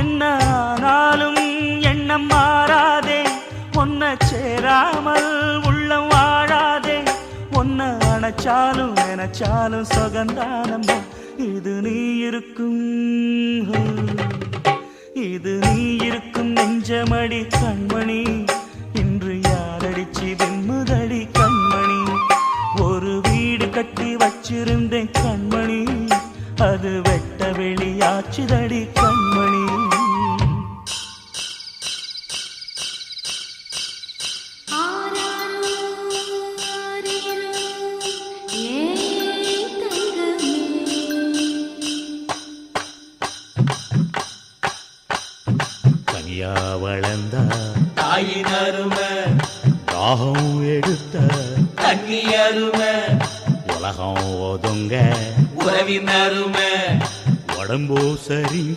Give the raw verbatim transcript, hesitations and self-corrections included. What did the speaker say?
என்ன ஆனாலும் எண்ணம் மாறாதே, ஒன்ன சேராமல் உள்ளம் வாழாதே, ஒன்ன அணைச்சாலும் நினைச்சாலும் சொகந்தானம்மா. இது நீ இருக்கும் இது நீ இருக்கும் நெஞ்சமடி கண்மணி, இன்று யாரடிச்சு வெண்முதடி கண்மணி. ஒரு வீடு கட்டி வச்சிருந்தேன் கண்மணி, அது வெட்ட வெளியாச்சுதடி கண்மணி. கனியா வளர்ந்த தாயின் அருமை, தாகம் எடுத்த தண்ணி அருமை, உலகம் ஒதுங்க உறவின் அருமை, உடம்போ சரிஞ்ச